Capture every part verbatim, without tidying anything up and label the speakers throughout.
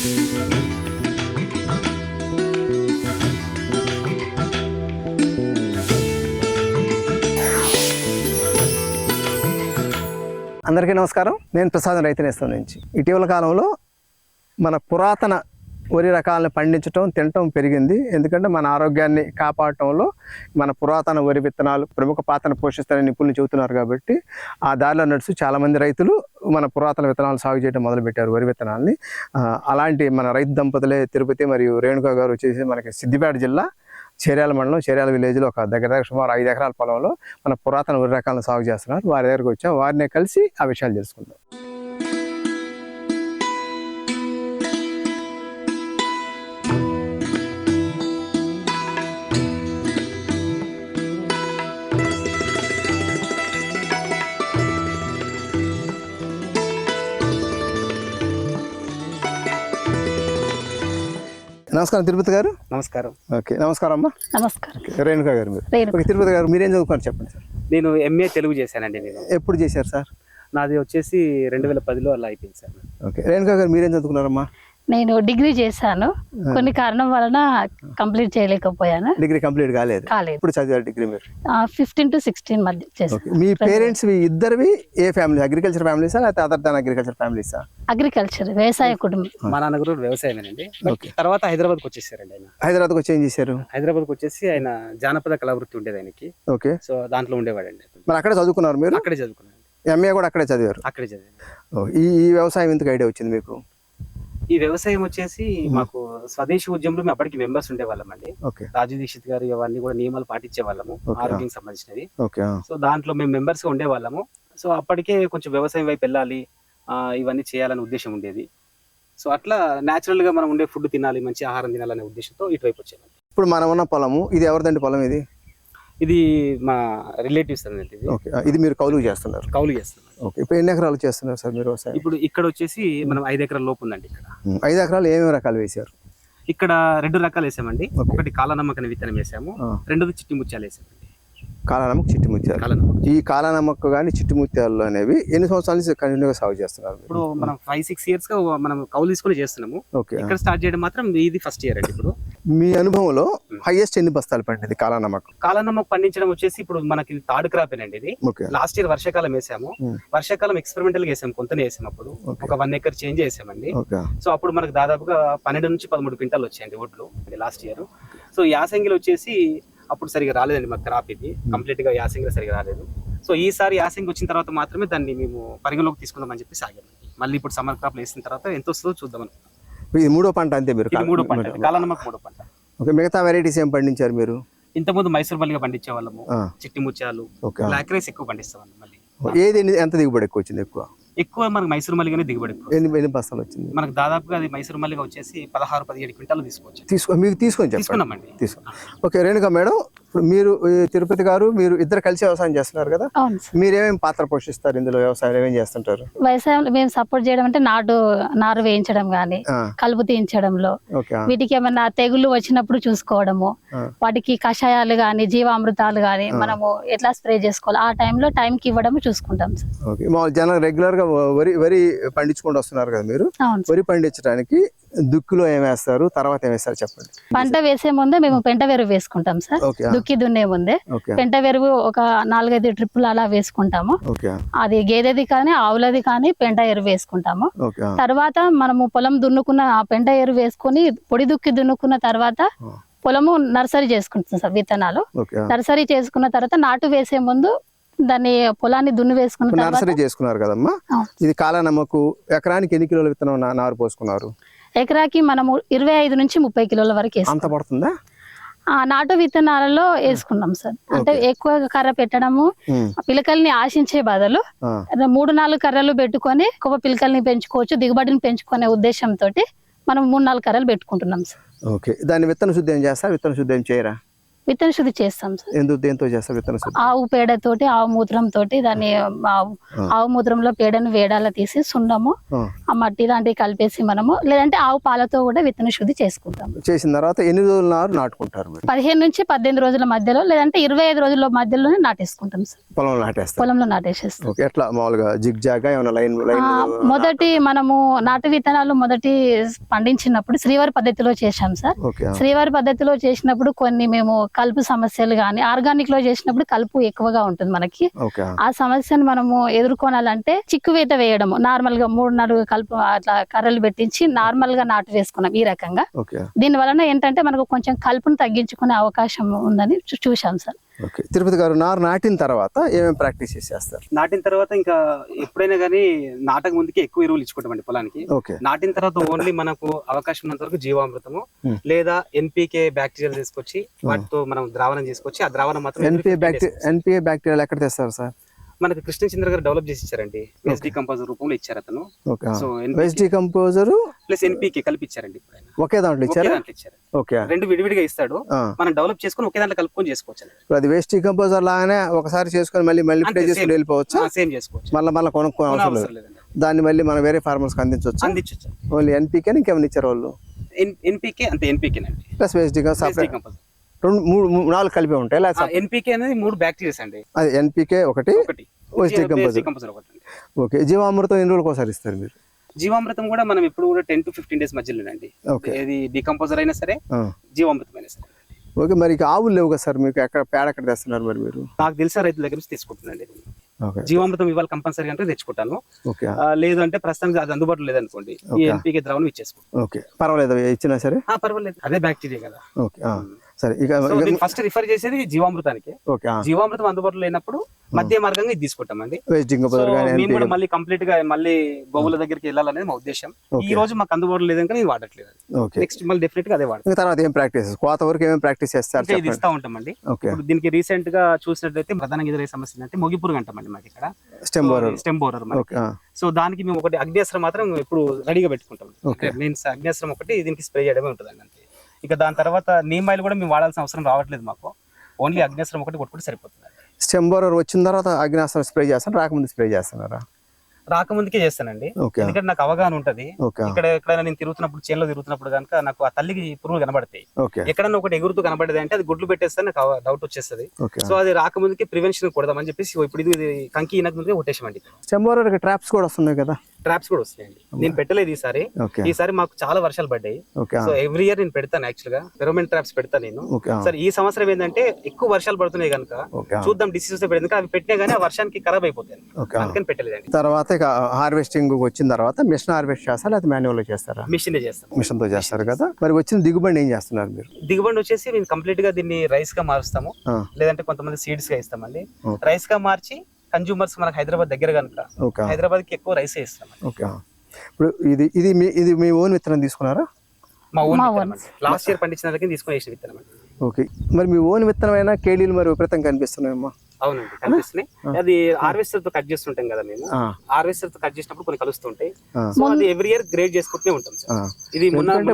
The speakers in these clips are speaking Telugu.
Speaker 1: అందరికీ నమస్కారం. నేను ప్రసాదం రైతు నేస్తం నుంచి. ఇటీవల కాలంలో మన పురాతన వరి రకాలను పండించడం తినటం పెరిగింది. ఎందుకంటే మన ఆరోగ్యాన్ని కాపాడటంలో మన పురాతన వరి విత్తనాలు ప్రముఖ పాత్రను పోషిస్తారని నిపుణులు చెబుతున్నారు. కాబట్టి ఆ దారిలో నడుస్తూ చాలామంది రైతులు మన పురాతన విత్తనాలు సాగు చేయడం మొదలుపెట్టారు, వరి విత్తనాలని. అలాంటి మన రైతు దంపతులే తిరుపతి మరియు రేణుకా గారు వచ్చేసి మనకి సిద్దిపేట జిల్లా చేర్యాల మండలం చేర్యాల విలేజ్లో ఒక దగ్గర దగ్గర సుమారు ఐదు ఎకరాల పొలంలో మన పురాతన వరి రకాలను సాగు చేస్తున్నారు. వారి దగ్గరకు వచ్చాం, వారినే కలిసి ఆ విషయాలు తెలుసుకుందాం. నమస్కారం తిరుపతి గారు.
Speaker 2: నమస్కారం.
Speaker 1: ఓకే, నమస్కారం అమ్మా.
Speaker 3: నమస్కారం.
Speaker 1: రేణుకా గారు మీరు. ఓకే, తిరుపతి గారు మీరేం చదువుకున్నారు చెప్పండి సార్.
Speaker 2: నేను ఎంఏ తెలుగు చేశానండి. నేను
Speaker 1: ఎప్పుడు చేశారు సార్?
Speaker 2: నాది వచ్చేసి రెండు వేల పదిలో అలా అయిపోయింది సార్.
Speaker 1: ఓకే, రేణుకా గారు మీరేం చదువుకున్నారమ్మా?
Speaker 3: నేను డిగ్రీ చేశాను, కొన్ని కారణం వలన కంప్లీట్ చేయలేకపోయాను.
Speaker 1: డిగ్రీ కంప్లీట్ కాలేదు?
Speaker 3: కాలేదు.
Speaker 1: ఇప్పుడు చదివారు డిగ్రీ మీరు?
Speaker 3: ఫిఫ్టీన్ టు సిక్స్టీన్ మధ్య చేశాను.
Speaker 1: మీ పేరెంట్స్ ఇద్దరివి ఏ ఫ్యామిలీ? అగ్రికల్చర్ ఫ్యామిలీసా లేకపోతే అదర్ దాన్ అగ్రికల్చర్ ఫ్యామిలీసా?
Speaker 3: అగ్రికల్చర్, వ్యవసాయ కుటుంబం.
Speaker 2: మా నాన్నగారు వ్యవసాయమేనండి. తర్వాత హైదరాబాద్కి వచ్చేసారండి ఆయన.
Speaker 1: హైదరాబాద్కి వచ్చి ఏం చేశారు?
Speaker 2: హైదరాబాద్కి వచ్చేసి ఆయన జానపద కళావృత్తి ఉండేది ఆయనకి.
Speaker 1: ఓకే,
Speaker 2: సో దాంట్లో ఉండేవాడండి.
Speaker 1: మరి అక్కడే చదువుకున్నారు మీరు?
Speaker 2: అక్కడే చదువుకున్నాను.
Speaker 1: ఎంఏ కూడా అక్కడే చదివారు?
Speaker 2: అక్కడే చదివాను.
Speaker 1: ఈ ఈ వ్యవసాయం ఎందుకు ఐడియా వచ్చింది మీకు?
Speaker 2: ఈ వ్యవసాయం వచ్చేసి మాకు స్వదేశీ ఉద్యమంలో మేము అప్పటికి మెంబర్స్ ఉండేవాళ్ళం అండి. రాజు దీక్షిత్ గారు ఇవన్నీ కూడా నియమాలు పాటించే వాళ్ళము, ఆరోగ్యం సంబంధించినవి. సో దాంట్లో మేము మెంబర్స్ గా ఉండేవాళ్ళము. సో అప్పటికే కొంచెం వ్యవసాయం వైపు వెళ్ళాలి, ఇవన్నీ చేయాలనే ఉద్దేశం ఉండేది. సో అట్లా న్యాచురల్ గా మనం ఉండే ఫుడ్ తినాలి, మంచి ఆహారం తినాలనే ఉద్దేశంతో ఇటువైపు వచ్చేవాళ్ళం.
Speaker 1: ఇప్పుడు మనం ఉన్న పొలము ఇది ఎవరిదండి పొలం? ఇది
Speaker 2: ఇది మా రిలేటివ్స్ అన్నది.
Speaker 1: ఓకే, ఇది మీరు కౌలు చేస్తున్నారు?
Speaker 2: కౌలు చేస్తున్నారు.
Speaker 1: ఓకే, ఇప్పుడు ఎన్ని ఎకరాలు చేస్తున్నారు సార్ మీరు వ్యవసాయం?
Speaker 2: ఇప్పుడు ఇక్కడ వచ్చేసి మనం ఐదు ఎకరాల లోపు ఉందండి. ఇక్కడ
Speaker 1: ఐదు ఎకరాలు ఏమేమి రకాలు వేసారు?
Speaker 2: ఇక్కడ రెండు రకాలు వేసామండి. ఒకటి కాలనమ్మకని విత్తనం వేసాము, రెండోది చిట్టి ముత్యాలు వేసామండి.
Speaker 1: కాలనమ్మక, చిట్టి ముత్యాలు. ఈ కాలనమ్మక కానీ చిట్టి ముత్యాలు అనేవి ఎన్ని సంవత్సరాల నుంచి కంటిన్యూగా సాగు చేస్తున్నారు?
Speaker 2: ఇప్పుడు మనం ఫైవ్ సిక్స్ ఇయర్స్ గా మనం కౌలు తీసుకుని చేస్తున్నాము.
Speaker 1: ఓకే,
Speaker 2: ఇక్కడ స్టార్ట్ చేయడం మాత్రం ఇది ఫస్ట్ ఇయర్ అండి. ఇప్పుడు
Speaker 1: మీ అనుభవంలో హైయెస్ట్ ఎన్ని బస్తాలు పండింది కాలనమ్మక?
Speaker 2: కాలనమ్మక పండించడం వచ్చేసి ఇప్పుడు మనకి థర్డ్ క్రాప్ అండి. ఇది లాస్ట్ ఇయర్ వర్షాకాలం వేసాము. వర్షాకాలం ఎక్స్పెరిమెంటల్ గా వేసాము, కొంతనే వేసాము. అప్పుడు ఒక వన్ ఎకర్ చేంజ్ చేసామండి. సో అప్పుడు మనకు దాదాపుగా పన్నెండు నుంచి పదమూడు క్వింటాలు వచ్చాయండి ఒడ్లు లాస్ట్ ఇయర్. సో యాసంగిలో వచ్చేసి అప్పుడు సరిగా రాలేదండి మాకు క్రాప్. ఇది కంప్లీట్ గా యాసంగిలో సరిగా రాలేదు. సో ఈసారి యాసంగి వచ్చిన తర్వాత మాత్రమే దాన్ని మేము పరిగణలోకి తీసుకుందామని చెప్పి సాగాము. మళ్ళీ ఇప్పుడు సమ్మర్ క్రాప్ వేసిన తర్వాత ఎంత వస్తుందో చూద్దాం.
Speaker 1: ఇది మూడో పంట అంతే మీరు?
Speaker 2: మూడో పంట, కాలనమ్మక మూడో పంట.
Speaker 1: ఓకే, మిగతా వెరైటీస్ ఏం పండించారు మీరు?
Speaker 2: ఇంతకుముందు మైసూర్ మల్లిగా పండించే వాళ్ళము, చిట్టి ముత్యాలు, బ్లాక్ రైస్ ఎక్కువ పండిస్తాం. మళ్ళీ
Speaker 1: ఏది ఎంత దిగుబడి ఎక్కువ వచ్చింది? ఎక్కువ
Speaker 2: ఎక్కువ మనకు మైసూర్ మల్లిగానే దిగుబడి.
Speaker 1: ఎన్ని బస్తాలు వచ్చింది
Speaker 2: మనకు? దాదాపుగా అది మైసూర్ మల్లిగా వచ్చేసి పదహారు పదిహేడు క్వింటాలు తీసుకోవచ్చు.
Speaker 1: తీసుకో మీకు తీసుకొని
Speaker 2: తీసుకున్నామండి.
Speaker 1: తీసుకో. ఓకే రేణుకా మేడం, ఇప్పుడు మీరు తిరుపతి గారు మీరు ఇద్దరు కలిసి వ్యవసాయం చేస్తున్నారు కదా, మీరేమేమి పాత్ర పోషిస్తారు ఇందులో? వ్యవసాయం ఏమేమి చేస్తుంటారు?
Speaker 3: వ్యవసాయం మేము సపోర్ట్ చేయడం అంటే నాటు నారు వేయించడం గానీ, కలుపు తీయించడంలో, వీటికి ఏమన్నా తెగుళ్ళు వచ్చినప్పుడు చూసుకోవడము, వాటికి కషాయాలు గానీ జీవామృతాలు గానీ మనము ఎట్లా స్ప్రే చేసుకోవాలి ఆ టైంలో టైంకి ఇవ్వడం చూసుకుంటాం.
Speaker 1: జనం రెగ్యులర్ గా వరి వరి పండించుకుంటూ వస్తున్నారు కదా మీరు, వరి పండించడానికి దుక్కిలో ఏం వేస్తారు, తర్వాత ఏం వేస్తారు చెప్పండి.
Speaker 3: పంట వేసే ముందే మేము పెంట వెరువు వేసుకుంటాం సార్. దుక్కి దున్నే ముందే పెంట వెరువు ఒక నాలుగైదు ట్రిప్పులు అలా వేసుకుంటాము. అది గేదెది కానీ ఆవులది కానీ పెంట ఎరువు వేసుకుంటాము. తర్వాత మనము పొలం దున్నుకున్న ఆ పెంట ఎరువు వేసుకుని పొడి దుక్కి దున్నుకున్న తర్వాత పొలము నర్సరీ చేసుకుంటాం సార్. విత్తనాలు నర్సరీ చేసుకున్న తర్వాత నాటు వేసే ముందు దాన్ని పొలాన్ని దున్ని వేసుకున్న
Speaker 1: నర్సరీ చేసుకున్నారు కదమ్మా. ఇది కాలనమ్మకు ఎకరానికి ఎన్ని కిలోల విత్తనం నారు పోసుకున్నారు?
Speaker 3: ఎకరాకి మనము ఇరవై ఐదు నుంచి ముప్పై కిలోల వరకు
Speaker 1: అంత పడుతుందా?
Speaker 3: ఆ నాటు విత్తనాలలో వేసుకున్నాం సార్. అంటే ఎక్కువ కర్ర పెట్టడము, పిలకల్ని ఆశించే బదులు మూడు నాలుగు కర్రలు పెట్టుకొని ఎక్కువ పిలకల్ని పెంచుకోవచ్చు, దిగుబడిని పెంచుకునే ఉద్దేశంతో మనం మూడు నాలుగు కర్రలు పెట్టుకుంటున్నాం సార్.
Speaker 1: ఓకే, దాన్ని విత్తన శుద్ధి ఏం చేస్తారు? విత్తన శుద్ధి ఏం చేయరా?
Speaker 3: విత్తన శుద్ధి చేస్తాం సార్.
Speaker 1: ఎందుకు దేంతో చేస్తారు విత్తన శుద్ధి?
Speaker 3: ఆవు పేడతోటి, ఆవు మూత్రం తోటి దాన్ని ఆవు ఆవు మూత్రంలో పేడను వేడాల తీసి సున్నము ఆ మట్టి లాంటివి కలిపేసి మనము, లేదంటే ఆవు పాలతో కూడా విత్తన శుద్ధి చేసుకుంటాం.
Speaker 1: చేసిన తర్వాత ఎన్ని రోజుల నారు నాటుకుంటారు మీరు?
Speaker 3: పదిహేను నుంచి పద్దెనిమిది రోజుల మధ్యలో, లేదంటే ఇరవై ఐదు రోజుల మధ్యలోనే నాటేసుకుంటాం సార్.
Speaker 1: పొలంలో నాటేస్తారు?
Speaker 3: పొలంలో నాటేసేస్తాం.
Speaker 1: ఓకే. ఎట్లా మామూలుగా జిగ్ జాగా ఏమైనా లైన్ లైన్?
Speaker 3: మొదటి మనము నాటు విత్తనాలు మొదటి పండించినప్పుడు శ్రీవారి పద్ధతిలో చేశాం సార్.
Speaker 1: ఓకే.
Speaker 3: శ్రీవారి పద్ధతిలో చేసినప్పుడు కొన్ని మేము కలుపు సమస్యలు కానీ, ఆర్గానిక్ లో చేసినప్పుడు కలుపు ఎక్కువగా ఉంటుంది మనకి.
Speaker 1: ఓకే.
Speaker 3: ఆ సమస్యను మనము ఎదుర్కొనాలంటే చిక్కువేత వేయడము, నార్మల్ గా మూడు నాలుగు కలుపు అట్లా కర్రలు పెట్టించి నార్మల్ గా నాటు వేసుకున్నాం ఈ రకంగా.
Speaker 1: ఓకే.
Speaker 3: దీని వలన ఏంటంటే మనకు కొంచెం కలుపును తగ్గించుకునే అవకాశం ఉందని చూ- చూశాం సార్.
Speaker 1: ఓకే. తిరుపతి గారు, నారు నాటిన తర్వాత ఏమేమి ప్రాక్టీస్ చేసేస్తారు?
Speaker 2: నాటిన తర్వాత ఇంకా ఎప్పుడైనా కానీ నాటక ముందుకే ఎక్కువ ఎరువులు ఇచ్చుకుంటామండి పొలానికి.
Speaker 1: ఓకే.
Speaker 2: నాటిన తర్వాత ఓన్లీ మనకు అవకాశం ఉన్నంత వరకు జీవామృతము లేదా ఎన్పీకే బ్యాక్టీరియల్ తీసుకొచ్చి వాటితో మనం ద్రావణం చేసుకొచ్చి ఆ ద్రావణం మాత్రం
Speaker 1: ఎన్పిఏ బ్యాక్టీరియా ఎన్పిఏ బ్యాక్టీరియా ఎక్కడ తెస్తారు సార్?
Speaker 2: మనకి కృష్ణచంద్ర గారు డెవలప్ చేసి ఇచ్చారండి. వేస్ట్ డికంపోజర్ రూపంలో ఇచ్చారు అతను.
Speaker 1: Okay.
Speaker 2: So
Speaker 1: waste decomposer
Speaker 2: plus NPK కలిపి ఇచ్చారండి.
Speaker 1: ఒకే దాంట్లో ఇచ్చారు?
Speaker 2: దాంట్లో ఇచ్చారు.
Speaker 1: ఓకే.
Speaker 2: రెండు విడివిడిగా ఇస్తాడు,
Speaker 1: ఆ.
Speaker 2: మనం డెవలప్ చేసుకుని ఒకే దాంట్లో కలుపుకొని చేసుకోవచ్చు.
Speaker 1: ఇప్పుడు అది వేస్ట్ డికంపోజర్ లాగానే ఒకసారి చేసుకొని మళ్ళీ మళ్ళీ ప్లే చేసుకుని వెళ్ళిపోవచ్చు?
Speaker 2: సేమ్ చేసుకోవచ్చు,
Speaker 1: మళ్ళీ మళ్ళీ కొనుక్కోని అవసరం లేదు.
Speaker 2: లేదండి.
Speaker 1: దాన్ని మళ్ళీ మనం వేరే ఫార్మర్స్ అందించవచ్చు?
Speaker 2: అందించవచ్చు.
Speaker 1: ఓన్లీ ఎన్పీకే ఇంకేమైనా ఇచ్చారు వాళ్ళు?
Speaker 2: ఎన్పీకే అంతే, ఎన్పీకేనండి.
Speaker 1: ప్లస్ వేస్ట్
Speaker 2: డికంపోజర్
Speaker 1: రెండు మూడు మూడు- నాలుగు కలిపి ఉంటాయి.
Speaker 2: ఎన్పీకే అనేది మూడు బ్యాక్టీరియాస్ అండి.
Speaker 1: అది ఎన్పీకే ఒకటి,
Speaker 2: ఒకటి
Speaker 1: వేస్ట్ డికంపోజర్
Speaker 2: డికంపోజర్ ఒకటి.
Speaker 1: ఓకే. జీవామృతం ఎన్ని రోజులకు ఒకసారి ఇస్తారు మీరు?
Speaker 2: జీవామృతం కూడా మనం ఎప్పుడు కూడా టెన్ టు ఫిఫ్టీన్ డేస్ మధ్యలోనండి.
Speaker 1: ఓకే.
Speaker 2: ఇది డికంపోజర్ అయినా సరే జీవామృతం అయినా సరే.
Speaker 1: ఓకే. మరి ఇక ఆవులు లేవు కదా సార్ మీకు? ఎక్కడ పేడ ఎక్కడ తెస్తున్నారు మరి మీరు?
Speaker 2: నాకు తెలిసిన రైతుల దగ్గర నుంచి తీసుకుంటున్నాండి.
Speaker 1: ఓకే.
Speaker 2: జీవామృతం ఇవాళ కంపల్సరీ అంటే తెచ్చుకుంటాను.
Speaker 1: ఓకే.
Speaker 2: ఆ, లేదు అంటే ప్రస్తుతానికి అది అందుబాటులో లేదనుకోండి, ఈ ఎన్పీకే ద్రావణం ఇచ్చేసుకుంటాం.
Speaker 1: ఓకే. పర్వాలేదు ఇచ్చినా సరే?
Speaker 2: ఆ, పర్వాలేదు, అదే బ్యాక్టీరియా కదా.
Speaker 1: ఓకే. సరే. ఇక
Speaker 2: ఫస్ట్ రిఫర్ చేసేది జీవామృతానికి.
Speaker 1: ఓకే.
Speaker 2: జీవామృతం అందుబాటులో లేనప్పుడు మధ్య మార్గంగా ఇది తీసుకుంటామండి.
Speaker 1: వేస్ట్ డికంపోజర్
Speaker 2: సో
Speaker 1: కానీ
Speaker 2: మేము కూడా మళ్ళీ కంప్లీట్ గా మళ్ళీ గోవుల దగ్గరికి వెళ్ళాలనేది మా ఉద్దేశం. ఈ రోజు మాకు అందుబాటులో లేదంటే నేను వాడట్లేదు.
Speaker 1: ఓకే.
Speaker 2: నెక్స్ట్ మళ్ళీ డెఫినెట్ గా అదే వాడతాం.
Speaker 1: తర్వాత ఏం ప్రాక్టీస్, కోత వరకు ఏమేమి ప్రాక్టీస్ చేస్తారు?
Speaker 2: ఇంకా ఇది ఇస్తా ఉంటామండి.
Speaker 1: ఓకే.
Speaker 2: ఇప్పుడు దీనికి రీసెంట్ గా చూసినట్లయితే ప్రధానంగా ఎదురయ్యే సమస్య అంటే మొగి పురుగు అంటామండి మాకు ఇక్కడ.
Speaker 1: Stem borer.
Speaker 2: Stem borer.
Speaker 1: Okay.
Speaker 2: So దానికి మేము ఒకటి అగ్నేస్త్రం మాత్రం ఇప్పుడు రెడీగా పెట్టుకుంటాం. మీన్స్ అగ్నేస్త్రం ఒకటి దీనికి స్ప్రే చేయడమే ఉంటుందండి అంతే. ఇక దాని తర్వాత నీమ్ ఆయిల్ కూడా మేము వాడాల్సిన అవసరం రావట్లేదు మాకు. ఓన్లీ అగ్నేస్త్రం ఒకటి కొట్టుకుంటే సరిపోతుంది.
Speaker 1: స్టెమ్ బోరర్ వచ్చిన తర్వాత అగ్నాస్త్రం స్ప్రే చేస్తాను, రాకముందు స్ప్రే చేస్తున్నారా?
Speaker 2: రాకముందుకే చేస్తానండి,
Speaker 1: ఓకే.
Speaker 2: ఎందుకంటే నాకు అవగాహన ఉంటది.
Speaker 1: ఓకే.
Speaker 2: ఇక్కడ ఎక్కడైనా నేను తిరుగుతున్నప్పుడు, చేనులో తిరుగుతున్నప్పుడు కనుక నాకు ఆ తల్లికి పురుగులు కనబడతాయి.
Speaker 1: ఓకే.
Speaker 2: ఎక్కడన్నా ఒకటి ఎగురుతూ కనబడేది అంటే అది గుడ్లు పెట్టేస్తే నాకు డౌట్ వచ్చేస్తుంది.
Speaker 1: ఓకే.
Speaker 2: సో అది రాకముందుకే ప్రివెన్షన్ కొడదామని చెప్పేసి ఇప్పుడు ఇది కంకి ఈనక ముందుకే కొట్టేసామండి.
Speaker 1: స్టెమ్ బోరర్ ట్రాప్స్ కూడా వస్తున్నాయి కదా?
Speaker 2: ట్రాప్స్ కూడా వస్తాయండి. నేను పెట్టలేదు ఈసారి.
Speaker 1: ఓకే.
Speaker 2: ఈసారి మాకు చాలా వర్షాలు పడ్డాయి.
Speaker 1: ఓకే.
Speaker 2: సో ఎవ్రీ ఇయర్ నేను పెడతాను యాక్చువల్ గా ఫెరోమెన్ ట్రాప్స్ పెడతాను నేను.
Speaker 1: ఓకే.
Speaker 2: సరే ఈ సంవత్సరం ఏంటంటే ఎక్కువ వర్షాలు పడుతున్నాయి కనుక
Speaker 1: ఓకే.
Speaker 2: చూద్దాం డిసీజెస్ పెడితే అవి పెట్టినా గానీ ఆ వర్షానికి ఖరాబ్ అయిపోతాయి,
Speaker 1: ఓకే.
Speaker 2: అందుకని పెట్టలేదండి.
Speaker 1: తర్వాత ఇక హార్వెస్టింగ్ వచ్చిన తర్వాత మిషన్ హార్వెస్ట్ చేస్తారా లేదా మాన్యువల్ లో చేస్తారా?
Speaker 2: మిషన్ చేస్తాం.
Speaker 1: మిషన్ తో చేస్తారు కదా. మరి వచ్చిన దిగుబడి ఏం చేస్తున్నారు మీరు?
Speaker 2: దిగుబడి వచ్చేసి మేము కంప్లీట్ గా దీన్ని రైస్ గా మారుస్తాము,
Speaker 1: ఆ.
Speaker 2: లేదంటే కొంతమంది సీడ్స్ గా ఇస్తామండి.
Speaker 1: ఓకే.
Speaker 2: రైస్ గా మార్చి కన్జ్యూమర్స్ మనకు హైదరాబాద్ దగ్గర కనుక
Speaker 1: ఓకే.
Speaker 2: హైదరాబాద్ కి ఎక్కువ రైస్ ఇస్తాం.
Speaker 1: ఓకే. ఇప్పుడు ఇది ఇది మీ ఇది మీ ఓన్ విత్తనం తీసుకున్నారా?
Speaker 2: మా ఓన్
Speaker 3: మా
Speaker 2: విత్తనం అండి. లాస్ట్ ఇయర్ పండించిన దగ్గర తీసుకొని వేసిన విత్తనం అండి.
Speaker 1: ఓకే. మరి మీ ఓన్ విత్తనమైనా కేడీలు మరి విపరీతం కనిపిస్తున్నాయమ్మా?
Speaker 2: అవునండి, కనిపిస్తున్నాయి. అది హార్వెస్టర్ తో కట్ చేస్తుంటాం కదా మేము. హార్వెస్టర్ తో కట్ చేసినప్పుడు కొన్ని కలుస్తుంటాయి. సో అది ఎవ్రీ ఇయర్ గ్రేడ్ చేసుకుంటూనే ఉంటాం సార్. ఇది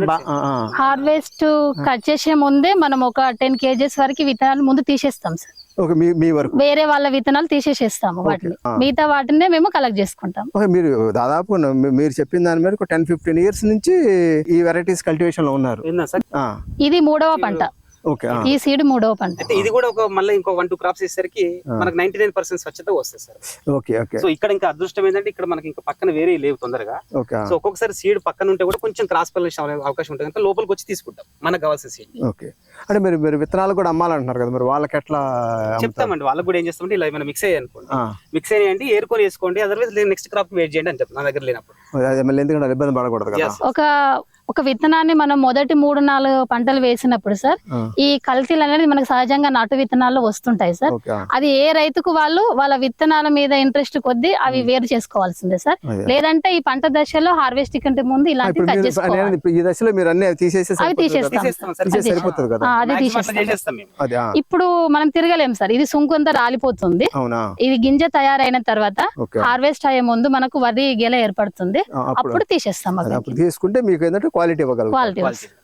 Speaker 3: హార్వెస్ట్ కట్ చేసే ముందే మనం ఒక టెన్ కేజెస్ వరకు విత్తనాలు ముందు తీసేస్తాం సార్.
Speaker 1: ఓకే. మీ మీ వరకు
Speaker 3: వేరే వాళ్ళ విత్తనాలు తీసేసేస్తాము, వాటిని మిగతా వాటినే మేము కలెక్ట్ చేసుకుంటాం.
Speaker 1: ఓకే. మీరు దాదాపు మీ- మీరు చెప్పిన దాని మీద టెన్ ఫిఫ్టీన్ ఇయర్స్ నుంచి ఈ వెరైటీస్ కల్టివేషన్ లో ఉన్నారు.
Speaker 2: విన్నా సార్.
Speaker 1: ఆ,
Speaker 3: ఇది మూడవ పంట.
Speaker 1: ఓకే. ఆ,
Speaker 3: ఈ సీడ్ మూడవ పంట.
Speaker 2: అయితే ఇది కూడా ఒక మళ్ళీ ఇంకో వన్ టూ క్రాప్స్ వేసరికి మనకు నైన్టీ నైన్ పర్సెంట్ స్వచ్ఛత వస్తుంది సార్.
Speaker 1: ఓకే. ఓకే.
Speaker 2: సో ఇక్కడ ఇంకా అదృష్టం ఏంటంటే ఇక్కడ మనకి ఇంకా పక్కన వేరే లేవు తొందరగా.
Speaker 1: ఓకే.
Speaker 2: సో ఒక్కొక్కసారి సీడ్ పక్కన ఉంటే కూడా కొంచెం క్రాస్ పల్లేషన్ అవకాశం ఉంటుంది కనుక లోపలికి వచ్చి తీసుకుంటాం మనకు కావాల్సిన సీడ్.
Speaker 1: ఓకే. అంటే మీరు మీరు విత్తనాలు కూడా అమ్మాలంటున్నారు కదా, మరి వాళ్ళకి ఎట్లా అమ్ముతారు?
Speaker 2: చెప్తామండి వాళ్ళకి కూడా ఏం చేస్తామంటే ఇలా ఏమైనా మిక్స్ అయ్యాయి అనుకోండి,
Speaker 1: ఆ,
Speaker 2: మిక్స్ అయ్యాయండి ఏరుకొని వేసుకోండి, అదర్వైజ్ నెక్స్ట్ క్రాప్ వెయిట్ చేయండి అని చెప్తాను నా దగ్గర లేనప్పుడు.
Speaker 1: అదే మళ్ళీ ఎందుకంటే ఇబ్బంది పడకూడదు కదా.
Speaker 2: Yes.
Speaker 3: ఒక ఒక విత్తనాన్ని మనం మొదటి మూడు నాలుగు పంటలు వేసినప్పుడు సార్
Speaker 1: ఆ,
Speaker 3: ఈ కల్తీలు అనేది మనకు సహజంగా నాటు విత్తనాల్లో వస్తుంటాయి సార్.
Speaker 1: ఓకే.
Speaker 3: అది ఏ రైతుకు వాళ్ళు వాళ్ళ విత్తనాల మీద ఇంట్రెస్ట్ కొద్దీ అవి వేరు చేసుకోవాల్సిందే సార్.
Speaker 1: అదే.
Speaker 3: లేదంటే ఈ పంట దశలో హార్వెస్ట్ కంటే ముందు
Speaker 1: ఆ,
Speaker 3: ఇలాంటివి
Speaker 1: ఇప్పుడు
Speaker 3: కట్
Speaker 1: మీరు
Speaker 3: చేసుకోవాలి.
Speaker 1: నేను ఇప్పుడు ఈ దశలో మీరు అన్ని తీసేసి
Speaker 3: అవి తీసేస్తాం.
Speaker 2: తీసేస్తాం సార్.
Speaker 1: తీసేసి సరిపోతుంది కదా.
Speaker 3: ఆ, అది
Speaker 2: Maximum
Speaker 3: తీసేస్తాం.
Speaker 2: అట్లా చేసేస్తాం మేము.
Speaker 1: అది ఆ,
Speaker 3: ఇప్పుడు మనం తిరగలేం సార్, ఇది సుంకు అంతా రాలిపోతుంది.
Speaker 1: అవునా?
Speaker 3: ఇది గింజ తయారైన తర్వాత
Speaker 1: ఓకే.
Speaker 3: హార్వెస్ట్ అయ్యే ముందు మనకు వరి గెల ఏర్పడుతుంది,
Speaker 1: ఆ, అప్పుడు
Speaker 3: అప్పుడు తీసేస్తాం.
Speaker 1: అది అప్పుడు తీసుకుంటే మీకు ఏంటంటే క్వాలిటీ ఇవ్వగలరు.
Speaker 3: Quality
Speaker 2: Quality.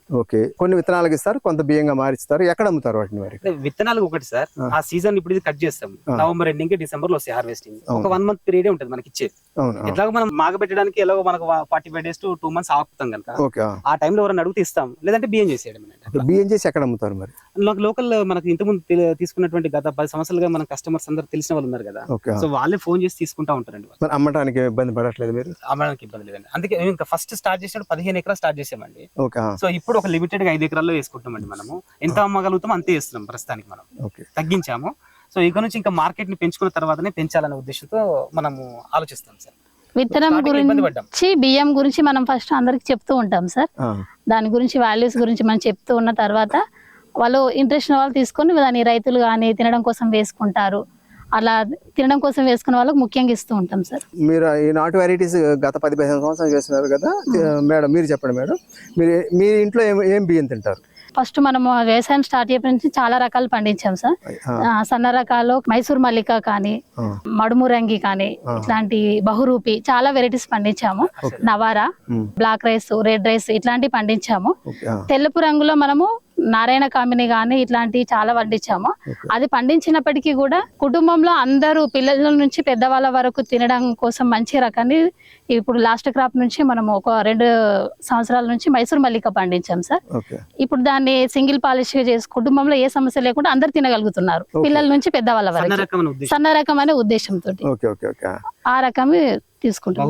Speaker 1: ఓకే, కొన్ని విత్తనాలకు ఇస్తారు, కొంత బియ్యంగా మారిస్తారు. ఎక్కడ అమ్ముతారు వాటిని మరి?
Speaker 2: అంటే విత్తనాలు ఒకటి సార్, ఆ సీజన్ ఇప్పుడు ఇది కట్ చేస్తాం, నవంబర్ ఎండింగ్ కి డిసెంబర్ లో వస్తాయి హార్వెస్టింగ్. ఒక వన్ మంత్ పీరియడ్ ఉంటుంది మనకి ఇచ్చేది. ఎట్లాగో మనం మాగబెట్టడానికి ఎలాగో మనకు forty five days to two months ఆపుతాం కనుక ఆ టైంలో ఎవరైనా అడిగితే ఇస్తాం, లేదంటే బియ్యం చేసేయడం.
Speaker 1: బియ్యం చేసి ఎక్కడ అమ్ముతారు మరి?
Speaker 2: లోకల్ మనకి ఇంతకుముందు తీసుకున్నటువంటి గత పది సంవత్సరాలుగా మన కస్టమర్స్ అందరూ తెలిసిన వాళ్ళు ఉన్నారు కదా, సో వాళ్ళే ఫోన్ చేసి తీసుకుంటా ఉంటారండి.
Speaker 1: అమ్మడానికి ఇబ్బంది పడట్లేదు మీరు?
Speaker 2: అమ్మడానికి ఇబ్బంది లేదండి. అందుకే ఇంకా ఫస్ట్ స్టార్ట్ చేసినప్పుడు పదిహేను ఎకరాలు స్టార్ట్ చేసామండి. సో ఇప్పుడు ఒక లిమిటెడ్ గా ఐదు ఎకరాల్లో వేసుకుంటామండి. మనము ఎంత అమ్మగలుగుతాం అంతే వేస్తున్నాం ప్రస్తుతానికి. మనం తగ్గించాము. సో ఇక నుంచి ఇంకా మార్కెట్ ని పెంచుకున్న తర్వాతనే పెంచాలనే ఉద్దేశంతో మనము ఆలోచిస్తాం సార్.
Speaker 3: విత్తనం గురించి, బియ్యం గురించి మనం ఫస్ట్ అందరికి చెప్తూ ఉంటాం సార్. దాని గురించి వాల్యూస్ గురించి మనం చెప్తూ ఉన్న తర్వాత వాళ్ళు ఇంట్రెస్ట్ వాళ్ళు తీసుకొని దాని రైతులు కానీ తినడం కోసం వేసుకుంటారు. అలా తినడం కోసం వేసుకున్న వాళ్ళకి ముఖ్యంగా ఇస్తూ ఉంటాం సార్.
Speaker 1: మీరు ఈ నాటు వెరైటీస్ గత పది పదిహేను సంవత్సరాలు చేస్తున్నారు కదా మేడం, మీరు చెప్పండి మేడం, మీరు మీ ఇంట్లో ఏం ఏం బియ్యం తింటారు?
Speaker 3: ఫస్ట్ మనము వ్యవసాయం స్టార్ట్ చేయడం నుంచి చాలా రకాలు పండించాం సార్. సన్న రకాలు మైసూర్ మల్లిక కానీ, మడుమురంగి కానీ, ఇట్లాంటి బహురూపి చాలా వెరైటీస్ పండించాము. Navara, black rice, red rice ఇట్లాంటివి పండించాము. తెలుపు రంగులో మనము నారాయణ కామిని గాని ఇట్లాంటివి చాలా పండించాము. అది పండించినప్పటికీ కూడా కుటుంబంలో అందరూ పిల్లల నుంచి పెద్దవాళ్ళ వరకు తినడం కోసం మంచి రకాన్ని ఇప్పుడు లాస్ట్ క్రాప్ నుంచి మనం ఒక రెండు సంవత్సరాల నుంచి మైసూర్ మల్లిక పండించాం సార్. ఇప్పుడు దాన్ని సింగిల్ పాలిష్ గా చేసి కుటుంబంలో ఏ సమస్య లేకుండా అందరు తినగలుగుతున్నారు, పిల్లల నుంచి పెద్దవాళ్ళ వరకు. సన్న రకం అనే ఉద్దేశంతో ఆ రకం తీసుకుంటాం.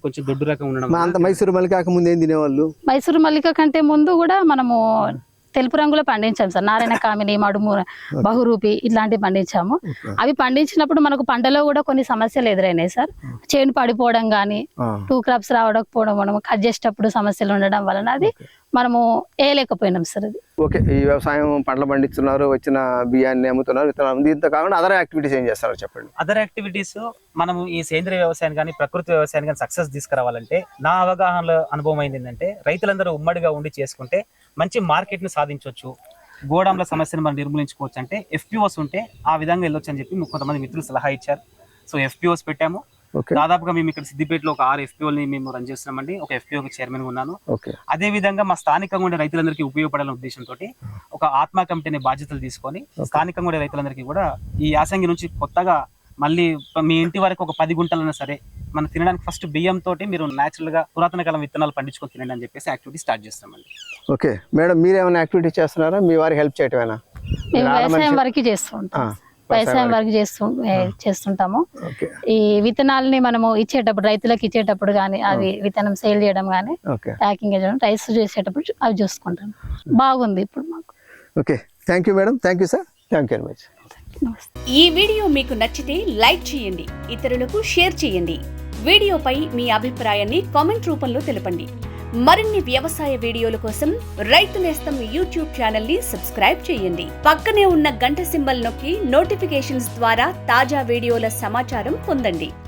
Speaker 1: మైసూర్ మల్లిక ముందు ఏం తినేవాళ్ళు?
Speaker 3: మైసూర్ మల్లిక కంటే ముందు కూడా మనము తెలుపు రంగులో పండించాం సార్. నారాయణ కామిని, మడుము, బహురూపి ఇట్లాంటివి పండించాము. అవి పండించినప్పుడు మనకు పంటలో కూడా కొన్ని సమస్యలు ఎదురైనాయి సార్. చేను పడిపోవడం కానీ, టూ క్రాప్స్ రావడకపోవడం, మనం కట్ చేసేటప్పుడు సమస్యలు ఉండడం వలన అది మనము వేయలేకపోయినాం సార్. అది
Speaker 1: ఓకే, ఈ వ్యవసాయం పంటలు పండిస్తున్నారు, వచ్చిన బియ్యాన్ని అమ్ముతున్నారు, విత్తనాలు, దీంతో కాకుండా అదర్ యాక్టివిటీస్ ఏం చేస్తారో చెప్పండి.
Speaker 2: అదర్ యాక్టివిటీస్ మనము ఈ సేంద్రియ వ్యవసాయం కానీ ప్రకృతి వ్యవసాయం కానీ సక్సెస్ తీసుకురావాలంటే నా అవగాహనలో అనుభవం అయింది ఏంటంటే, రైతులందరూ ఉమ్మడిగా ఉండి చేసుకుంటే మంచి మార్కెట్ ని సాధించవచ్చు, గోడాంల సమస్యను మనం నిర్మూలించుకోవచ్చు. అంటే ఎఫ్పిఓస్ ఉంటే ఆ విధంగా వెళ్ళొచ్చు అని చెప్పి కొంతమంది మిత్రులు సలహా ఇచ్చారు. సో ఎఫ్పిఓస్ పెట్టాము. దాదాపుగా మేము ఇక్కడ సిద్దిపేటలో ఒక ఆరు ఎఫ్పిఓల్ని మేము రన్ చేస్తున్నామండి. ఒక ఎఫ్పిఓకి చైర్మన్ ఉన్నాను. అదే విధంగా మా స్థానికంగా ఉండే రైతులందరికీ ఉపయోగపడాలనే ఉద్దేశంతో ఒక ఆత్మ కమిటీ అనే బాధ్యతలు తీసుకొని స్థానికంగా ఉండే రైతులందరికీ కూడా ఈ యాసంగి నుంచి కొత్తగా మళ్ళీ మీ ఇంటి వరకు ఒక పది గుంటలైనా సరే మనం తినడానికి ఫస్ట్ బియ్యం తోటి మీరు నేచురల్ గా పురాతన కాలం విత్తనాలు పండించుకొని తినండి అని చెప్పేసి యాక్టివిటీ స్టార్ట్ చేస్తామండి.
Speaker 1: ఓకే మేడం, మీరు ఏమైనా యాక్టివిటీ చేస్తున్నారా? మీ వారికి హెల్ప్ చేయటమేనా?
Speaker 3: మేము వ్యవసాయం వరకు చేస్తుంటాం, వ్యవసాయం వరకు చేస్తూ చేస్తుంటాము. ఈ విత్తనాలని మనము ఇచ్చేటప్పుడు రైతులకు ఇచ్చేటప్పుడు కానీ, అవి విత్తనం సేల్ చేయడం కానీ, ప్యాకింగ్ చేయడం, రైస్ చేసేటప్పుడు అవి చూసుకుంటాం. బాగుంది ఇప్పుడు మాకు.
Speaker 1: Okay, thank you madam, thank you sir, thank you very much.
Speaker 4: ఈ వీడియో మీకు నచ్చితే లైక్ చేయండి, ఇతరులకు షేర్ చేయండి. వీడియోపై మీ అభిప్రాయాన్ని కామెంట్ రూపంలో తెలపండి. మరిన్ని వ్యవసాయ వీడియోల కోసం రైతు నేస్తం యూట్యూబ్ ఛానల్ ని సబ్స్క్రైబ్ చేయండి. పక్కనే ఉన్న గంట సింబల్ నొక్కి నోటిఫికేషన్స్ ద్వారా తాజా వీడియోల సమాచారం పొందండి.